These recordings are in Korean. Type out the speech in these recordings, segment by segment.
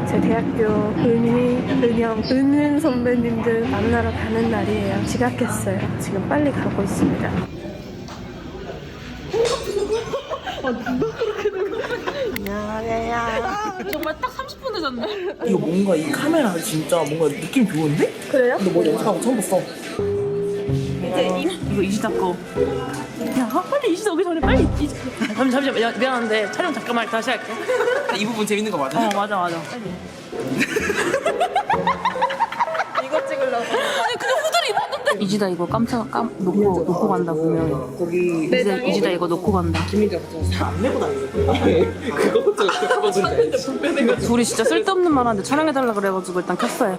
제 대학교 은은 선배님들 만나러 가는 날이에요. 지각했어요. 지금 빨리 가고 있습니다. 안녕하세요. 정말 딱 30분 늦었네. 이거 뭔가 이 카메라 진짜 뭔가 느낌 좋은데? 그래요? 너 머리 염색하고 처음 봤어. 이제 이거 이지다 거. 야, 빨리 이지다 오기 전에 빨리 잠시만. 야, 미안한데 촬영 잠깐만 다시 할게. 이 부분 재밌는 거 맞아? 맞아. 이거 찍으려고. 아니 그냥 후드를 입었는데. 이지다 이거 놓고 간다 분명히. 거기 이지다 이거 놓고 간다. 김민재가 살안 내고 다니는 거야. 그거부터 그거부터 불편해가지고. 둘이 진짜 쓸데없는 말 하는데 촬영해달라 그래가지고 일단 켰어요.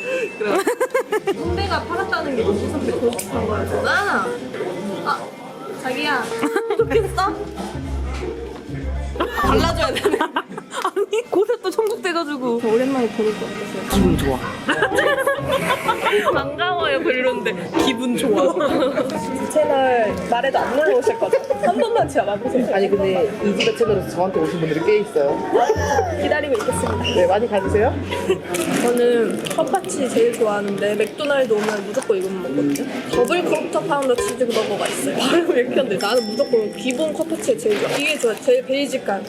선배가 팔았다는 게 우리 선배 고집한 거였구나. 아, 자기야. 좋겠어? 발라줘야 되네. 아니 곳에 또 천국돼가지고. 오랜만에 보는 거 어떠세요? 기분 좋아. 반가워요 별론데 기분 좋아. 채널 말해도 안 놀러 오실 거죠? 한 번만 진짜 와보세요. 아니 근데 이지가 채널에서 저한테 오신 분들이 꽤 있어요. 기다리고 있겠습니다. 네, 많이 가주세요. 저는 컵파치 제일 좋아하는데 맥도날드 오면 무조건 이것만 먹거든요. 더블 쿼터 파운더 치즈 버거가 있어요. 바로 이렇게 한데 나는 무조건 기본 컵파치 제일 좋아. 이게 좋아. 제일 베이직한.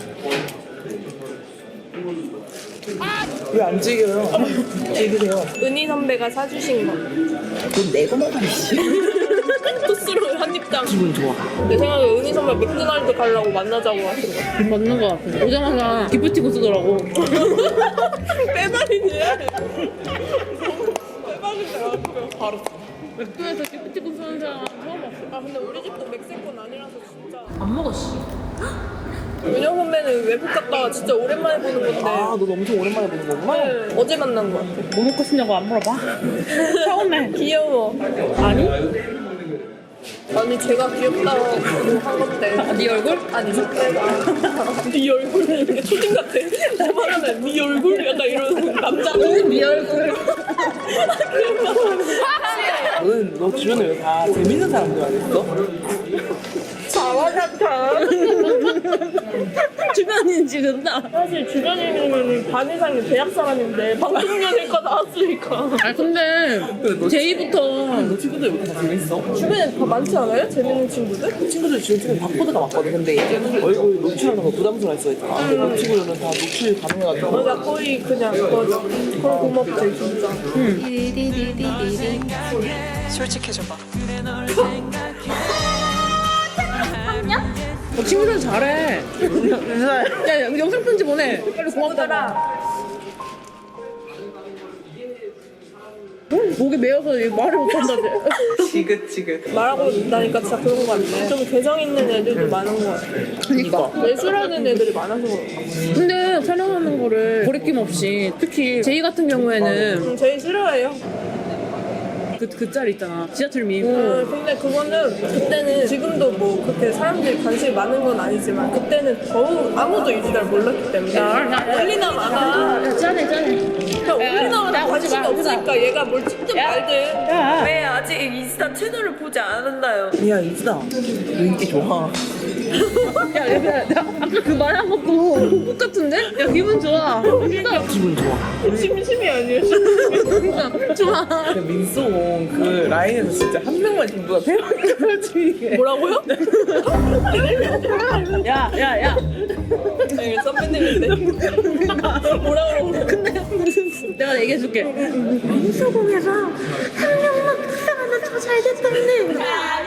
왜 안 즐겨요? 즐기세요. 은희 선배가 사주신 거. 돈 내고 먹어야지. 토스로 한 입당. 기분 좋아. 내 생각에 은희 선배 맥도날드 가려고 만나자고 하신 거. 맞는 거 같아. 오자마자 기프티콘 쓰더라고. 빼발이지. 빼발인데 바로. 맥도날드에서 기프티콘 쓰는 사람 처음 봤어. 아 근데 우리 집도 멕시코는 아니라서 진짜. 안 먹었어. 은영 선배는 외국 갔다가 진짜 오랜만에 보는 건데. 아, 너 엄청 오랜만에 보는 거구나? 네, 어제 만난 거 같아. 뭐 먹고 싶냐고 안 물어봐. 처음에. 귀여워. 아니? 아니 제가 귀엽다고 한 건데. 네 얼굴? 아니 선배가 네 얼굴 이렇게 초딩 같아. 내 말하면 네 얼굴 약간 이런 남자는 네 얼굴. 너는 너 주변에 왜 다 재밌는 사람들 아니었어? 자화자찬. 주변인 지른다. 사실 주변이면 반 이상이 대학 사람인데 방송연예과 나왔으니까. 아 근데 제이부터 너 친구들 왜 다 재밌어? 주변에 다 많지 않아요? 재밌는 친구들? 친구들 지금 찍은 박보드가 많거든. 근데 얼굴 노출하는 거 부담스러워 했어. 근데 그 친구들은 다 노출 가능해가지고. 맞아 거의 그냥 그거지. 그럼 고맙지 진짜. 솔직해져봐. 친구들 잘해. 야 영상 편지 보내. 빨리 고맙다라. 목이 메어서 말을 못한다지. 지긋지긋. 말하고 나니까 진짜 그런 거 같네. 좀 개성 있는 애들도 많은 거 같아. 그니까. 예술하는 애들이 많아서 그런 거. 근데 촬영하는 거를 거리낌 없이 특히 제이 같은 경우에는 제일 싫어해요. 그 짤 있잖아. 지하철 밈. 근데 그거는 그때는 지금도 뭐 그렇게 사람들이 관심이 많은 건 아니지만 그때는 더욱 아무도 이지달 몰랐기 때문에 올리나 마나 야 짠해. 그냥 올리나 마나 야, 관심이 오지 마, 없으니까 얘가 뭘 찍든 말든 야. 왜 아직 인스타 채널을 보지 않았나요? 야, 이지다. 너 인기 좋아. 야, 아까 그 말 한 것도 꼭 같은데? 야 기분 좋아. 기분 좋아. 심심이 아니에요? 좋아. 근데 민소공 그 라인에서 진짜 한 명만 정도가 대박이지 이게. 뭐라고요? 야. 네, 선배님인데 뭐라 그러고 근데 내가 얘기해줄게. 민소공에서 한 명만 불쌍하면 더 잘 됐다네.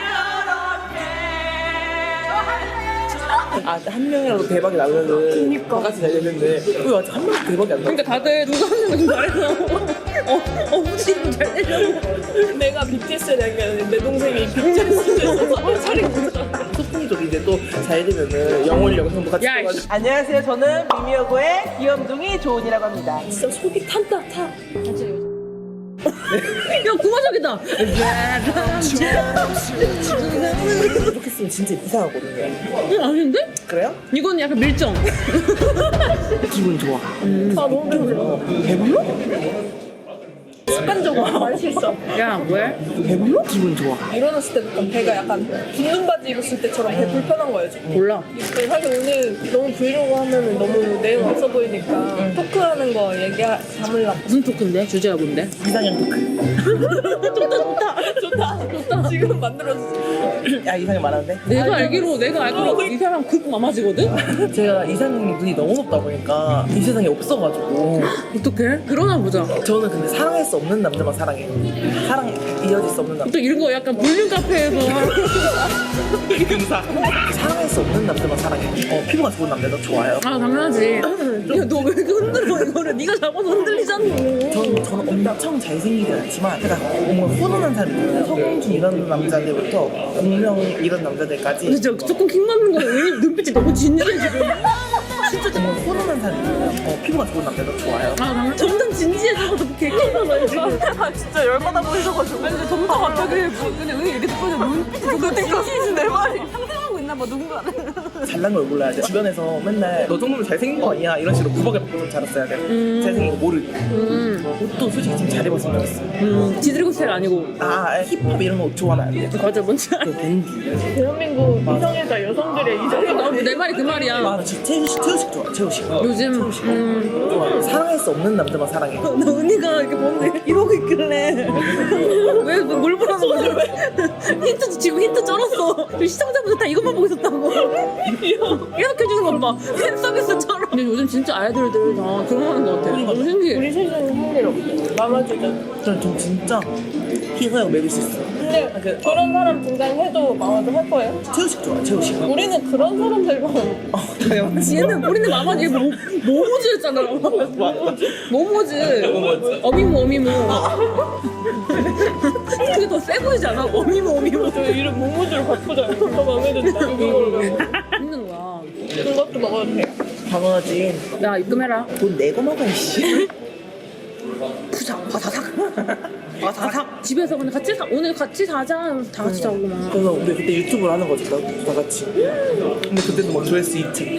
아, 한 명이라도 대박이 나면은 다 같이 잘 되는데 왜 아직 한 명도 대박이 안 나? 그러니까 다들 누가 한 명이 좀 잘해서 혹시 잘 되려고. 내가 BTS를 얘기하는데 내 동생이 BTS에 있어서 차리고 소풍족인데 또 잘 되면은 영월 영상도 같이 야, 찍어가지고. 안녕하세요, 저는 미미여고의 귀염둥이 조은이라고 합니다. 진짜 속이 탄다 타. 야 구마적이다. 이렇게 쓰면 진짜 이상하거든요. 아닌데? 그래요? 이건 약간 밀정. 기분 좋아. 아 너무 배불러. 배불러? 습관적으로 말 실수. 야 뭐해? 배불러? 기분 좋아. 일어났을 때부터 배가 약간 붓는 바지 입었을 때처럼 배 불편한 거예요 지금. 몰라. 사실 오늘 너무 브이로그 하면은 너무 내용 없어 보이니까 토크하는 거 담으려고. 무슨 토크인데? 주제가 뭔데? 이상형 토크. 좋다. 지금 만들어주지. 야 이상형 말하는데? 내가 알기로 이 사람 극 마마지거든? 제가 이상형이 눈이 너무 높다 보니까 이 세상에 없어가지고 어떡해? 그러나 보자. 저는 근데 사랑할 수 없는 남자만 사랑해요. 사랑 이어질 수 없는 남자. 또 이런 거 약간 볼륨 카페에서 금사. 사랑할 수 없는 남자만 사랑해. 피부가 좋은 남자도 좋아요. 아 당연하지. 야 너 왜 이렇게 흔들어 이거를? 네가 잡아서 흔들리잖아. 저는 엄청 잘생기진 않지만 약간 뭔가 훈훈한 사람이 있잖아요. 서공준 이런 남자들부터 공명 이런 남자들까지 근데 진짜 조금 킹 맞는 거야. 왜냐면 눈빛이 너무 진지해 지금. 진짜 정말 훈훈한 사람이 있잖아요. 피부가 좋은 남자도 좋아요. 아 당연. 점점 진지해져서 개킹하다 지금. 아 진짜 열받아 보이셔가지고. 아니 근데 점점 갑자기 근데 왜 이렇게 듣고 눈빛이 너무 진지해진 내 말이 상상하고 있나 봐 누군가. 잘난 걸 몰라야 돼. 주변에서 맨날 너 정도면 잘생긴 거 아니야? 이런 식으로 구박을 받고 좀 자랐어야 돼. 잘생긴 거 모르고. 옷도 솔직히 좀 잘 입었으면 좋겠어. 지드래곤 스타일 아니고. 힙합 이런 거 좋아하면 안 돼. 맞아 뭔지 알아. 그 밴디. 대한민국 이성애자 여성들의 이성애자. 내 말이 그 말이야. 나 진짜 채우식 좋아. 채우식. 요즘 좋아. 사랑할 수 없는 남자만 사랑해. 나 은희가 이렇게 보는데 이러고 있길래 왜뭘 보라는 거지? 힌트 지금 힌트 쩔었어. 시청자분들 다 이것만 보고 있었다고. 계속해주는 것 봐. 팬 서비스처럼. 근데 요즘 진짜 아이돌들 다 그런 거 하는 것 같아. 너무 신기해. 우리 세상에 할일 없어. 마마주자. 전 진짜 희서형 매일 수 있어. 근데 그런 사람 등장해도 마마도 할 거예요? 채우식 좋아. 채우식. 우리는 그런 사람들만. 당연하지. 얘는 우리는 마마 얘 모모즈였잖아. 모모즈. 어미모. 그게 더 세 보이지 않아? 어미모. 저 이름 모모즈로 바꾸자. 더 마음에 든다. 그걸로. 힘든 거야. 그것도 먹어도 돼요. 당연하지. 야 입금해라. 돈 내고 먹어 이씨. 푸작 바사삭. 집에서 근데 오늘 같이 자자. 다 같이 자고 막. 그래서 우리 그때 유튜브를 하는 거지, 다 같이. 근데 그때도 뭐 조회수 2층.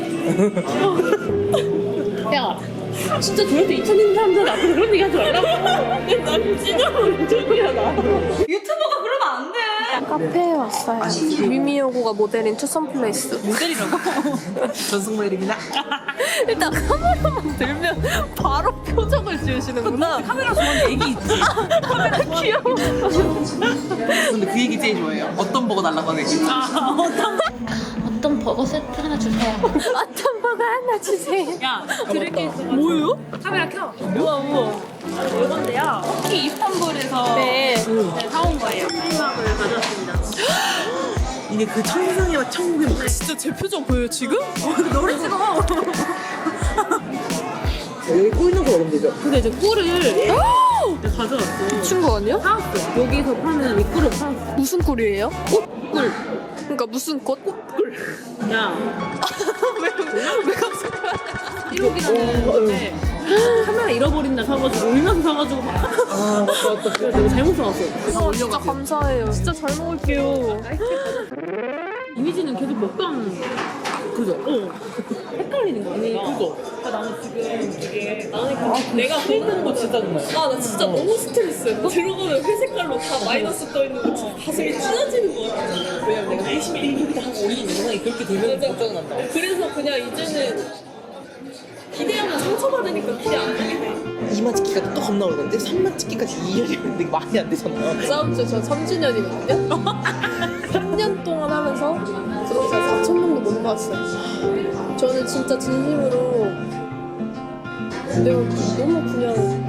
야, 진짜 저한테 2,000인 사람들 앞에서 그런 얘기 하지 말라고. 난 찢어버린 적이야 나. 유튜버가 그러면 안 돼. 카페에 왔어요. 미미여고가 모델인 투썸플레이스. 모델이라고? 전승모델입니다. 일단 카메라만 들면 바로 표정을 지으시는구나. 카메라 좋아하는 애기 있지? 카메라 귀여워. 근데 그 얘기 제일 좋아해요. 어떤 버거 달라고 하는 얘기. 어떤 버거 세트 하나 주세요. 어떤 버거 하나 주세요. 야, 그렇게 있어. 뭐예요? 카메라 켜. 우와. 이건데요. 터키 이스탄불에서 네. 사온 거예요. 클리막을 가져왔습니다. 이게 그 천상이와 천국의 맛. 진짜 제 표정 보여요 지금? 너를 찍어. 여기 꼬이는 거 먹으면 되죠? 근데 이제 꿀을 가져왔어. 친구 아니야? 사왔어. 여기서 파는 이 꿀을 사왔어. 무슨 꿀이에요? 꿀. 그러니까 무슨 꽃? 야, 왜 갑자기? 1호기라는 건데 카메라 잃어버린다 사가지고 울면서 사가지고 막. 아, 맞다. 그래서 내가 잘못 사왔어. 진짜 감사해요. 진짜 잘 먹을게요. 이미지는 계속 먹방 그죠? 헷갈리는 거야. 그거. 그러니까 나는 지금 이게 내가 보는 거 진짜 좋아해. 아 나 진짜 너무 스트레스야. 들어가면 회색깔로 다 마이너스 떠 있는 거 진짜 가슴이 찢어지는 거 같아. 왜냐면 내가 열심히 일기부터 하고 올리는 영상이 그렇게 되면 걱정은 한다. 그래서 그냥 이제는 기대하면 상처받으니까 기대 안 하게 돼. 2만 찍기가 또 겁나 오르는데 3만 찍기까지 2년이 걸리는데 이게 말이 안 되잖아. 싸움 저 3주년이거든요. 3년 동안 하면서 구독자 4,000명도 못 모았어요. 저는 진짜 진심으로 내가 너무 그냥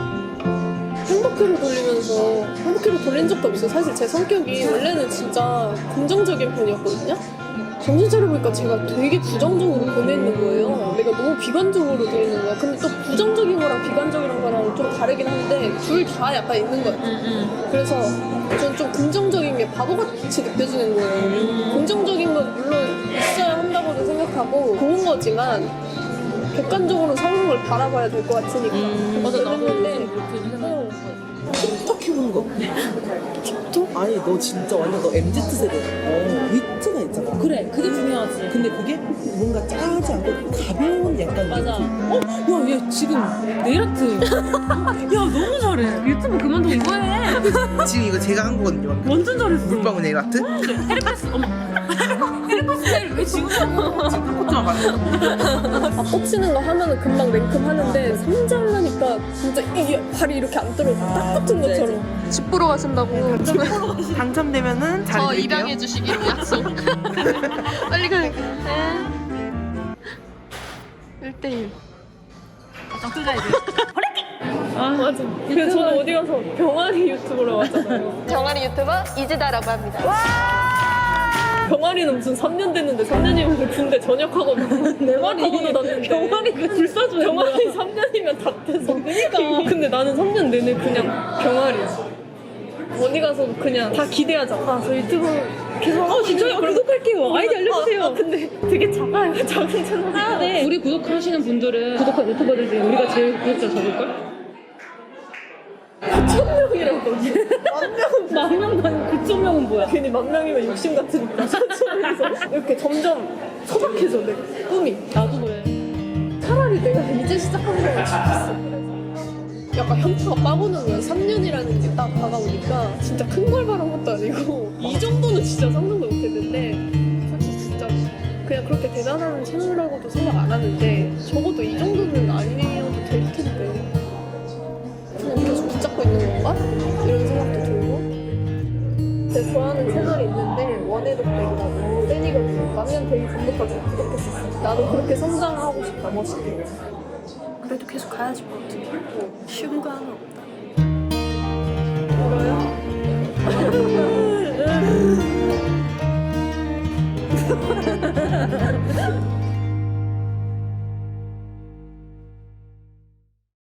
행복회로 돌리면서 행복회로 돌린 적도 없어요. 사실 제 성격이 원래는 진짜 긍정적인 편이었거든요. 정신 차려보니까 제가 되게 부정적으로 보내는 거예요. 내가 너무 비관적으로 돼 있는 거야. 근데 또 부정적인 거랑 비관적인 거랑 좀 다르긴 한데 둘 다 약간 있는 것 같아요. 그래서 저는 좀 긍정적인 게 바보같이 느껴지는 거예요. 긍정적인 건 물론 있어야 한다고도 생각하고 좋은 거지만 객관적으로 상황을 바라봐야 될 것 같으니까. 맞아, 나도 그랬는데 요즘 그렇게 생각해. 틱톡 해보는 거. 틱톡? 아니 너 진짜 완전 너 MZ 세대야. 위트가 있잖아. 그래, 그게 중요하지. 근데 그게 뭔가 짜지 않고 가벼운 약간 맞아. 느낌. 야, 얘 지금 네일아트. 야, 너무 잘해. 유튜브 그만두고 이거 해. 지금 이거 제가 한 거거든요. 완전 잘했어. 물방울 네일 아트? 헤르페스, 어머. 헤르페스 네일 왜 지금 하고? 지금 코트만 봤어. 꽂히는 거 하면은 금방 냉큼 하는데 3자 하려니까 진짜 이게 발이 이렇게 안 떨어져. 딱 같은 것처럼. 집 보러 가신다고. 당첨되면은 저 자리 드릴게요. 입양해 주시기로 약속. 빨리 가. 1대1. 아 맞아. 그래서 저는 어디 가서 병아리 유튜브로 왔잖아요. 병아리 유튜버 이지다라고 합니다. 병아리는 무슨 3년 됐는데 3년이면 군대 전역하고 내 말이 하고도 났는데 병아리가 불사조야. 병아리 3년이면 다 돼서 그러니까 근데 나는 3년 내내 그냥 병아리야. 어디 가서 그냥 다 기대하자. 아, 저 유튜브 계속 진짜요? 구독할게요. 아이디 알려주세요. 근데 되게 작아요. 작은 채널. 아, 네. 우리 구독하시는 분들은 구독한 유튜버들 중에 우리가 제일 구독자 적을걸? 9,000명이라고. 만 명도 아니고 9,000명은 뭐야? 괜히 10,000명이면 욕심 같으니까 천천히서 이렇게 점점 소박해져 내 꿈이. 나도 그래. 차라리 내가 이제 시작하는 거가 좋겠어. 약간 현타가 빠보는 거야. 3년이라는 게 딱 다가오니까 진짜 큰 걸 바란 것도 아니고 이 정도는 진짜 상상도 못했는데 솔직히 진짜 그냥 그렇게 대단한 채널이라고도 생각 안 하는데 적어도 이 정도는 아니어도 될 텐데 그냥 계속 붙잡고 있는 건가? 이런 생각도 들고 제가 좋아하는 채널이 있는데 원해독백이라고 팬이거든요. 만년 되기 전부터 구독했었어. 나도 그렇게 성장하고 싶다. 멋있게. 그래도 계속 가야지 뭐 어떻게. 쉬운 거 하나 없고.